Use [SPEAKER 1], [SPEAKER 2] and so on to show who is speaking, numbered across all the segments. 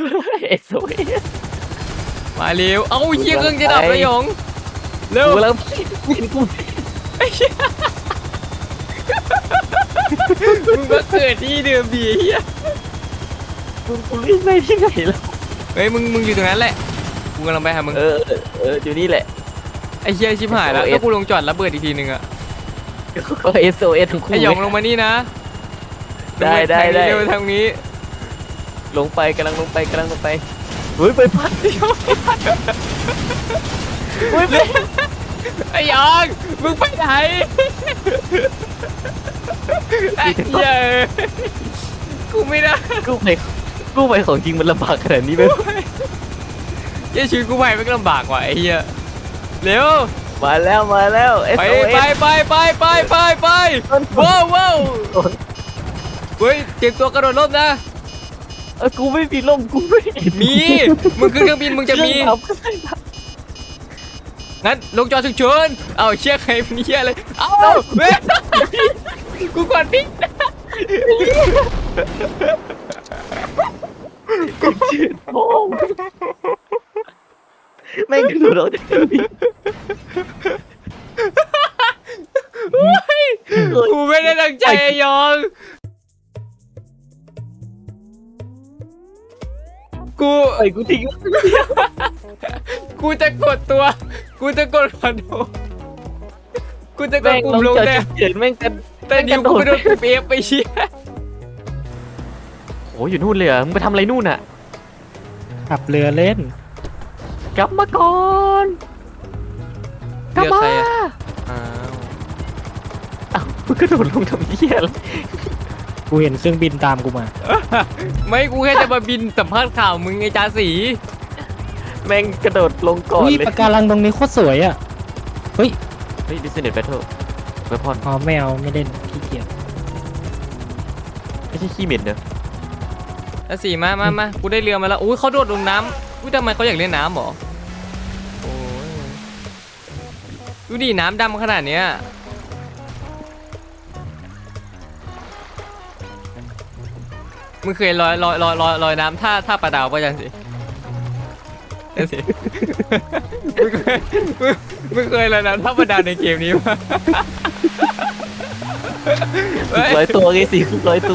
[SPEAKER 1] SOS
[SPEAKER 2] มาเร็วเอาเหี้ยเครื่องจะดับแล้วหยงเร็ว
[SPEAKER 1] กูแล้วกู
[SPEAKER 2] มึงมาเกิดที่เดิมดีเหี้ย
[SPEAKER 1] กูเล่นไปที่ไหนแล้ว
[SPEAKER 2] เฮ้ยมึงอยู่ตรงนั้นแหละกูกำลังไปหามึง
[SPEAKER 1] อยู่นี่แหละ
[SPEAKER 2] ไอ้เหี้ยชิบหายแล้ว
[SPEAKER 1] SOS
[SPEAKER 2] ถ้ากูลงจอดระเบิดอีกทีนึงอะ
[SPEAKER 1] ก็ SOS ทั้งคู่
[SPEAKER 2] ไอ้หยงลงมานี่นะ
[SPEAKER 1] ได้
[SPEAKER 2] เร็วทางนี้
[SPEAKER 1] ลงไปกำลังลงไปเฮ้ยไปพัดเฮ้ยไป
[SPEAKER 2] ไอ้หยองมึงไปไหนไอ้เหี้ยกูไม่ได้
[SPEAKER 1] กู้ไปของจริงมันลำบากขนาดนี้ไหม
[SPEAKER 2] เหี้ยชีวิตกูไปไม่ลำบากว่ะไอ้เหี้ยเร็ว
[SPEAKER 1] มาแล้ว
[SPEAKER 2] ไป
[SPEAKER 1] SOS
[SPEAKER 2] ไปว้าวเฮ้ยเตรียมตัวกระโดดร่มนะ
[SPEAKER 1] กูไม่มีร่มกูไม่เห็น
[SPEAKER 2] มีมึงขึ้นเครื่องบินมึงจะมีงั้นลงจอฉุกเฉินเอาเชี่ยใครเป็นเชี่ยเลยเอาเว้ยกูก่อนพี่
[SPEAKER 1] ชื่อโอ้แม่งดูเราจะมี
[SPEAKER 2] กูไม่ได้ตั้งใจไอ้ยองกู
[SPEAKER 1] ไอ้กูทิ้ง
[SPEAKER 2] กูจะกดตัวกูจะกดคอนโทรลกูจะกด
[SPEAKER 1] แม่ง
[SPEAKER 2] ปุ่
[SPEAKER 1] ล
[SPEAKER 2] ม
[SPEAKER 1] ง
[SPEAKER 2] ลง
[SPEAKER 1] จอ
[SPEAKER 2] แต่
[SPEAKER 1] ฉุกเฉินแม่งกัน
[SPEAKER 2] แต่นิ้วกูไปโดนปุ่มเอฟไปเชี่ย
[SPEAKER 1] โอ้อยู่นู่นเลยเหรอมึงไปทำอะไรนู่นอ่ะ
[SPEAKER 3] ขับเรือเล่น
[SPEAKER 1] กลับมาก่อนกลับมา
[SPEAKER 2] อ้าว
[SPEAKER 1] อ้าวมึงกระโดดลงทำเหี้ยอะไร
[SPEAKER 3] กูเห็นเครื่องบินตามกูมา
[SPEAKER 2] ไม่กูแค่จะมาบินสัมภาษณ์ข่าวมึงไอ้จาสี
[SPEAKER 1] แม่งกระโดดลงก่อน
[SPEAKER 3] อุ้ย
[SPEAKER 1] เลย
[SPEAKER 3] ปะการังตรงนี้โคตรสวยอ่ะ เฮ้ย
[SPEAKER 1] เฮ้ย Business Battle เวพอน
[SPEAKER 3] อ๋อไม่เอาไม่เล่นขี้เกียจ
[SPEAKER 1] ไม่ใช่ขี้เหม็นเนอะ
[SPEAKER 2] จาสีมากูได้เรือมาแล้วอุ้ยเขาโดดลงน้ำอุ้ยทำไมเขาอยากเล่นน้ำหรอโอ้ยดูดิน้ำดำขนาดเนี้ยมึงเคยลอยน้ำท่าปลาดาวป่ะจังสิจังสิมึงเคยลอยน้ำท่าปลาดาวในเกมนี้ป่ะเฮ้ย
[SPEAKER 1] ร้อยตัวไงสิร้อยตัว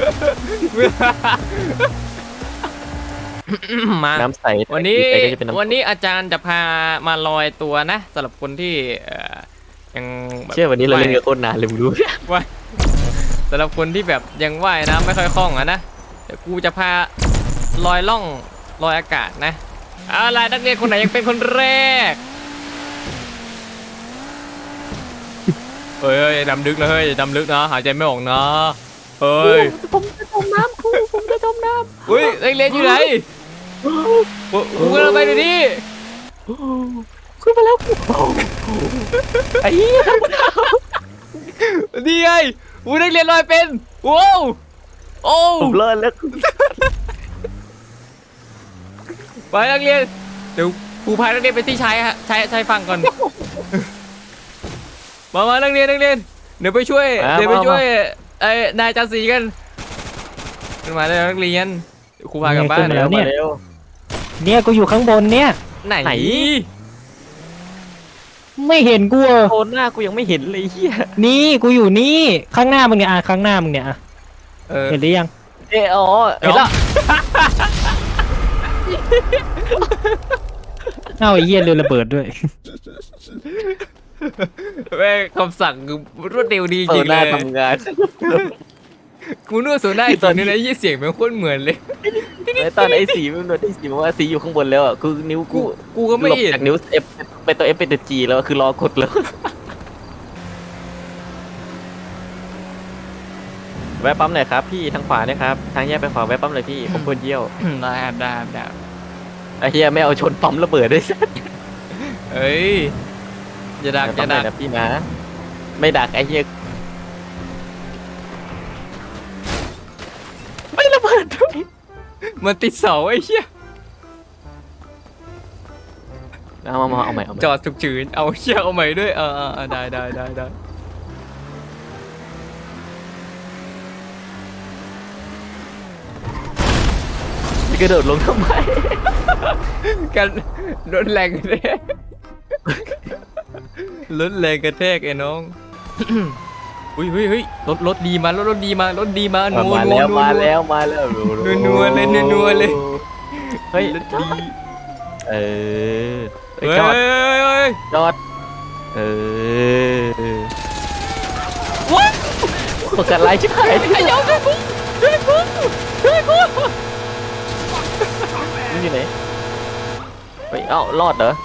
[SPEAKER 2] มา
[SPEAKER 1] น้ำใส
[SPEAKER 2] วันนี้
[SPEAKER 1] ใสก็จะเป็นน้ำ
[SPEAKER 2] วันนี้อาจารย์จะพามาลอยตัวนะสำหรับคนที่ยังแบบ
[SPEAKER 1] เชื่อวันนี้เราเล่นกันโคตรนานเลยมึงรู้
[SPEAKER 2] ว่ายสำหรับคนที่แบบยังว่ายน้ำไม่ค่อยคล่องอะนะเดี๋ยวกูจะพาลอยล่องลอยอากาศนะเอาล่ะนักเรียนคนไหนยังเป็นคนแรกเฮ้ยดำลึกนะเฮ้ยดำลึกนะหายใจไม่ออกนะเฮ้ย
[SPEAKER 1] ผมจะจมน้ำครูผมจะจมน้
[SPEAKER 2] เฮ้ยนักเรียนอยู่ไหนกูกำลังไปดูดิ
[SPEAKER 1] ำขึ้นมาแล้วไอ้เหี้ย
[SPEAKER 2] นี่ไงกูนักเรียนลอยเป็นว้าวโอ้
[SPEAKER 1] ผมรอดแล้ว
[SPEAKER 2] ไปนักเรียนเดี๋ยวครูพานักเรียนไปที่ชายฝั่งก่อนมานักเรียนเดี๋ยวไปช่วยไอ้นายจาสีกันขึ้นมาเลยนักเรียนเดี๋ยวครูพากลับบ้าน
[SPEAKER 3] แล้ว
[SPEAKER 1] มาเร็ว
[SPEAKER 3] เนี่ยกูอยู่ข้างบนเนี่ย
[SPEAKER 2] ไหน
[SPEAKER 1] ไหน
[SPEAKER 3] ไม่เห็นกูเหรอ
[SPEAKER 1] โคนหน้ากูยังไม่เห็นเลยเหี้ย
[SPEAKER 3] นี่กูอยู่นี่ข้างหน้ามึงเนี่ยข้างหน้ามึงเนี่ย เห็นหรือยัง
[SPEAKER 1] อ๋อเห็นละ
[SPEAKER 3] เอ้าไอ้เหี้ยเรือระเบิดด้วย
[SPEAKER 2] แม่คำสั่งคือรวดเร็วดีจ
[SPEAKER 1] เปิ
[SPEAKER 2] ริ
[SPEAKER 1] ด
[SPEAKER 2] ง
[SPEAKER 1] ห
[SPEAKER 2] เล
[SPEAKER 1] น้าย ทำงาน
[SPEAKER 2] กูนึกว่าโซน่าจริงนะยี่เสียงมันโคตรเหมือนเลย
[SPEAKER 1] แล้วตอนไอ้สีมันโดนไอ้สีบอกว่าสีอยู่ข้างบนแล้วอ่ะคือนิ้วกู
[SPEAKER 2] กูก็ไม่
[SPEAKER 1] หลบ
[SPEAKER 2] เห็น
[SPEAKER 1] จากนิ้ว F เป็นตัว F เป็นตัว G แล้วคือรอกดแล้วแวะปั๊มหน่อยครับพี่ทางขวาเนี่ยครับทางแยกไปขวาแวะปั๊มเลยพี่ผมควรเยี่ยว
[SPEAKER 2] ได้
[SPEAKER 1] ไอ้เหี้ยไม่เอาชนปั๊มระเบิดด้วย
[SPEAKER 2] เอ้ยอย่าดัก
[SPEAKER 1] ปั๊มหน่อยนะพี่นะไม่ดักไอ้เหี้ยไม่ระเบิดด้วย
[SPEAKER 2] มันติดเสาไอ้เหี้ย
[SPEAKER 1] เอาใหม่
[SPEAKER 2] จอดฉุกเฉินเอาเชี่ยเอาใหม่ด้วยได้
[SPEAKER 1] กระโดดลงทำไม
[SPEAKER 2] กันรถแรงกระแทกรถแรงกระแทกไอ้น้อง อุ้ยเฮ้ยเฮ้ยรถดีมารถดีมารถดีมานัว
[SPEAKER 1] มา
[SPEAKER 2] นัว
[SPEAKER 1] แล้ว
[SPEAKER 2] นัว
[SPEAKER 1] มาแล้วมาแล้ว
[SPEAKER 2] นัวเลยนัวเลย
[SPEAKER 1] เฮ้ย
[SPEAKER 2] รถดี
[SPEAKER 1] เออ
[SPEAKER 2] เฮ้ย
[SPEAKER 1] จอด
[SPEAKER 2] เฮ้ย
[SPEAKER 1] จอดเออ
[SPEAKER 2] ว้า
[SPEAKER 1] ปกติไรชิบหาย
[SPEAKER 2] ไอ้ยองช่วยกูช่วยกูช่วยกู
[SPEAKER 1] มึงอยู่ไหนเฮ้ยเอ้ารอดเหรอ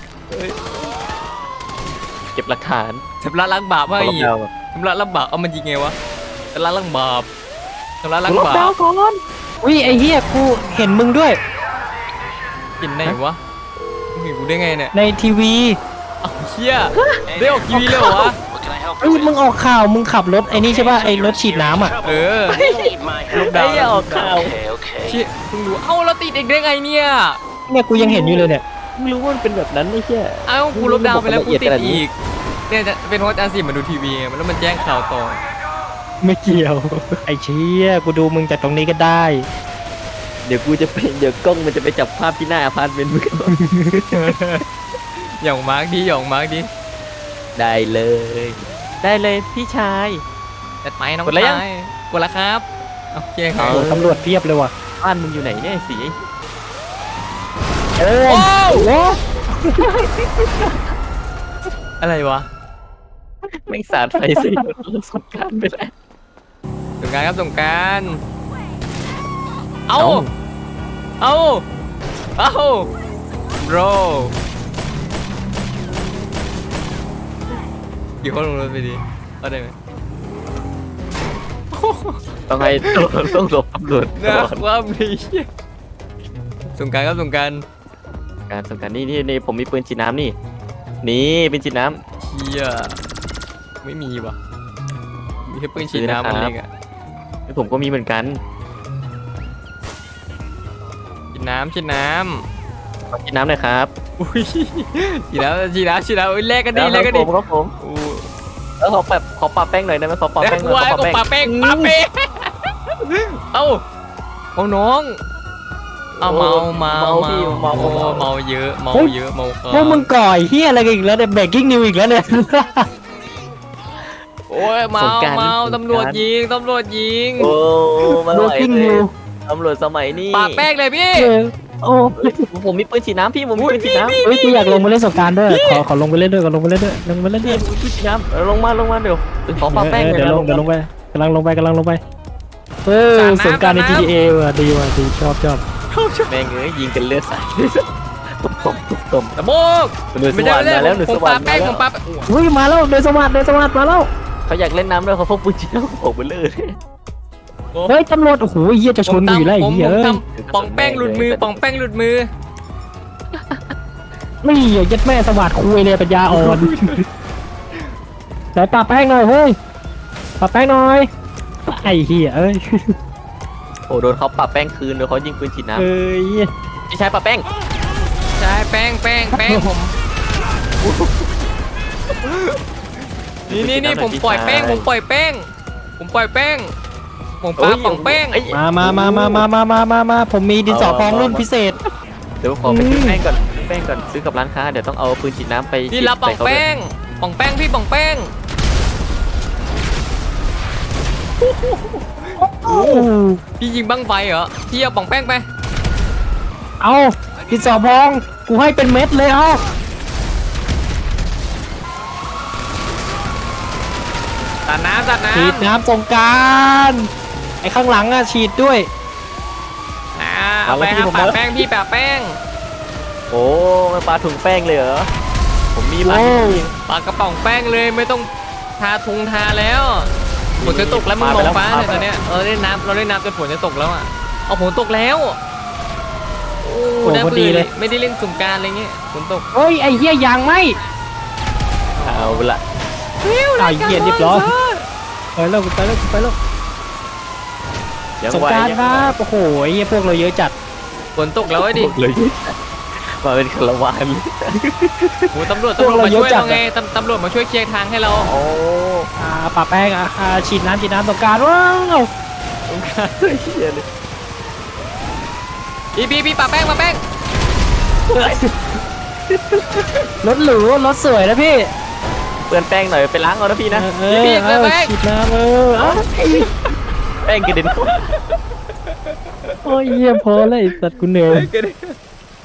[SPEAKER 1] เก็บหลักฐาน
[SPEAKER 2] ชำระล้างบาปว่าอีก
[SPEAKER 1] ล็อกดาวน์
[SPEAKER 2] ชำระล้างบาปเอามันยิงไงวะชำระล้างบาปชำระล้าง
[SPEAKER 1] ล็อก
[SPEAKER 2] บา
[SPEAKER 1] ดาว
[SPEAKER 2] ป
[SPEAKER 1] น์ก่อน
[SPEAKER 3] อุ้ยไอ้เหี้ยกูเห็นมึงด้วย
[SPEAKER 2] กินไหนวะมึงเห็นกูได้ไงเนี่ย
[SPEAKER 3] ในทีวี
[SPEAKER 2] เอ้าเชี่ยได้ออกทีวีเลยเหรอวะ
[SPEAKER 3] เฮ้ยมึงออกข่าวมึงขับรถไอ้นี่ใช่ป่ะไอ้รถฉีดน้ำอ่ะ
[SPEAKER 2] เออ
[SPEAKER 1] ลูกดาวน์ออกข่าว
[SPEAKER 2] เชี่ยเพิ่งรู้เอ้าเราติดเองได้ไงเนี่ย
[SPEAKER 3] เนี่ยกูยังเห็นอยู่เลยเนี่ย
[SPEAKER 1] มึงรู้ว่ามันเป็นแบบนั้นไม่ใช่
[SPEAKER 2] เอ้ากูลบดาวน์ไปแล้วกูติด
[SPEAKER 1] ละเอียดขนาดนี้
[SPEAKER 2] อีกเนี่ยจะเป็นเพราะอาจารย์สิมาดูทีวีไงแล้วมันแจ้งข่าวต่อ
[SPEAKER 3] ไม่เกี่ยว ไอ้เชี่ยกูดูมึงจากตรงนี้ก็ได้
[SPEAKER 1] เดี๋ยวกูจะเป็นเดี๋ยวกล้องมันจะไปจับภาพที่หน้าอพาร์ตเมนต์มึงก่อน
[SPEAKER 2] หย่องมาร์กดีหย่องมาร์กดี
[SPEAKER 1] ได้เลย ได้เลยพี่ชาย
[SPEAKER 2] จัดไปน้อง
[SPEAKER 1] กดแล้วยัง
[SPEAKER 2] ชายกดแล้วครับโอเคครับ
[SPEAKER 3] โอ้ตำรวจเพียบเลยว่ะ
[SPEAKER 1] บ้านมึงอยู่ไหนเนี่ยสี
[SPEAKER 3] เออ
[SPEAKER 2] โอ้ว
[SPEAKER 3] โอ้
[SPEAKER 2] อะไรวะ
[SPEAKER 1] ไม่งสาดไฟสิสงกรารไปแล้ว
[SPEAKER 2] สงกรารครับสงกรารเอาเอาเอาโรกี่คนลงรถไปดีเอาได้ไหม
[SPEAKER 1] ต้องให้ต้องหลบตำรวจ
[SPEAKER 2] นะความดีสงกรารครับสงกราร
[SPEAKER 1] สงกรารนี่ผมมีปืนฉีดน้ำนี่เป็นฉีดน้
[SPEAKER 2] เชียไม่มีว่ะมีแค่ปืนฉีดน้ำมันเองอะ
[SPEAKER 1] ำผมก็มีเหมือนกัน
[SPEAKER 2] ฉีดน้ำฉีดน้
[SPEAKER 1] ขอฉีดน้ำหน่อยครับ
[SPEAKER 2] ำอุ้ยฉีดน้ำฉีดน้ำฉีดน้ำอุ้ยแลกกันดิแลกกันดิ
[SPEAKER 1] ครับผม
[SPEAKER 2] อู้
[SPEAKER 1] แล้วขอปะแป้งหน่อยได้ไหมขอปะ
[SPEAKER 2] แล
[SPEAKER 1] แป้
[SPEAKER 2] ก
[SPEAKER 1] งหน่
[SPEAKER 2] ไว้
[SPEAKER 1] อย
[SPEAKER 2] ก็ปาเป้งปาเป้งเอ้าเอาน้องเอาเมาเยอะเมาเยอะเมา
[SPEAKER 3] พวกมึงก่อยเฮียอะไรกันอีกแล้วเนี่ยเบรกกิ้งนิวอีกแล้วเนี่ย
[SPEAKER 2] โอ้ยเมาตำรวจยิงตำรวจยิง
[SPEAKER 1] โอ้มาหน่อย
[SPEAKER 3] Breaking
[SPEAKER 1] เลย
[SPEAKER 3] news
[SPEAKER 1] ตำรวจสมัยนี้
[SPEAKER 2] ปาแป้งเลยพี่
[SPEAKER 3] เออโอ้
[SPEAKER 1] ผมมีปืนฉีดน้ำพี่ผมมีปืนฉีดน้ำ
[SPEAKER 3] เฮ้ยกูอยากลงไปเล่นสงกรารด้วยขอลงไปเล่นด้วยขอลงไปเล่นด้วยลงไปเล่นด้วย
[SPEAKER 1] พี่ฉีดน้ำลงมาเดี๋ยวขอปะแป้งหน่อย
[SPEAKER 3] เดี๋ยว
[SPEAKER 1] นะ
[SPEAKER 3] ลงไปกำลังลงไปเออสงกรารใน GTA ว่ะดีชอบ
[SPEAKER 1] แม่งเอ้ยยิงกันเลือดสาดตุบตบ
[SPEAKER 2] ตะโบก
[SPEAKER 1] หน่วยสวรรค์มาแล้วหน่วย
[SPEAKER 2] ผ
[SPEAKER 1] ส
[SPEAKER 2] ม
[SPEAKER 1] วร
[SPEAKER 2] ปาร
[SPEAKER 1] ค์
[SPEAKER 2] แป้ง
[SPEAKER 1] มา
[SPEAKER 2] ผมปา
[SPEAKER 1] แล้ว
[SPEAKER 3] อุ้ยมาแล้วเดินสวัสดิ์มาแล้ว
[SPEAKER 1] เขาอยากเล่นน้ำด้วยเขาพกปืนฉีดน้ำออกไปเลย
[SPEAKER 3] เฮ้ยตำรวจโอ้โหเฮียจะชนกูอยู่แล้วไอ้เหี้ย
[SPEAKER 2] ผม
[SPEAKER 3] เอ้ย
[SPEAKER 2] ทำป่องแป้งหลุดมือป่องแป้งหลุดมือ
[SPEAKER 3] นี่ยัดแม่สวัสดิ์คุยเลยปัญญาอ่อนไหนปาแป้งหน่อยเฮ้ยปาแป้งหน่อยไอ้เหี้ยเอ้ย
[SPEAKER 1] โอ้โดนเขาปะแป้งคืนโดนเขายิงปืนฉีดน้
[SPEAKER 3] เอ้ย
[SPEAKER 1] ำพี่ชายปะแป้ง
[SPEAKER 2] ใช่แป้งผมนี่ผมปล่อยแป้งผมปล่อยแป้งผมปาป่องแป้ง
[SPEAKER 3] มาผมมีดินสอพองรุ่นพิเศษ
[SPEAKER 1] เดี๋ยวขอไปซื้อแป้งก่อนซื้อกับร้านค้าเดี๋ยวต้องเอาปืนฉีดน้ำไป
[SPEAKER 2] พี่รับป่องแป้งพี่ป่องแป้ง
[SPEAKER 3] โอ้
[SPEAKER 2] พี่ยิงบั้งไฟเหรอพี่เอาป่องแป้งไป
[SPEAKER 3] เอาดินสอพองกูให้เป็นเม็ดเลยเอา
[SPEAKER 2] ตัดน้ำ
[SPEAKER 3] ฉีดน้ำสงกรารไอ้ข้างหลังอะฉีดด้วย
[SPEAKER 2] เอาไปครับปะแป้งพี่ปะแป้ง
[SPEAKER 1] โอ้มันปลาถุงแป้งเลยเหรอผมมีบ้าน
[SPEAKER 3] โอ้
[SPEAKER 2] ปากระป๋องแป้งเลยไม่ต้องทาทุงทาแล้วฝนจะตกแล้วมึงมองฟ้าเนี่ยตอนเนี้ยเราเล่นน้ำจนฝนจะตกแล้วอ่ะเอาฝนตกแล้วโอ้น่าเบื่อเลยไม่ได้เล่นสงกรารอะไรเงี้ยฝนตก
[SPEAKER 3] เฮ้ยไอ้เหี้ยยางไหม
[SPEAKER 1] เอาละ
[SPEAKER 3] เอาเหี้ยเรียบร้อยไปแล้ว
[SPEAKER 1] ยัง
[SPEAKER 3] สง
[SPEAKER 1] ไหว
[SPEAKER 3] กราร
[SPEAKER 1] ยัง
[SPEAKER 3] ค
[SPEAKER 1] ไหว
[SPEAKER 3] รับโอ้โหไอ้เหี้ยพวกเราเยอะจัด
[SPEAKER 2] ฝนตกแล้วไอ้ดิ
[SPEAKER 1] เลยมาเป็นคาราวานเลย
[SPEAKER 2] โอ้ตำรวจมาช่วยเราไงตำรวจมาช่วยเคลียร์ทางให้เรา
[SPEAKER 1] โอ้
[SPEAKER 3] ปะแป้งฉีดน้ำสงกรารว้าว
[SPEAKER 1] สงครามเลยเฮียเลย
[SPEAKER 2] พี่ปะแป้ง
[SPEAKER 3] รถหรูรถสวยนะพี่
[SPEAKER 1] เปื้อนแป้งหน่อยไปล้างเอานะพี่นะ
[SPEAKER 3] ฉีดน้ำ
[SPEAKER 1] แป้งกระเด็นเข้า
[SPEAKER 3] โอ้ยเยี่ยมพอเลยไอ้สัตว์กูเหนื่อย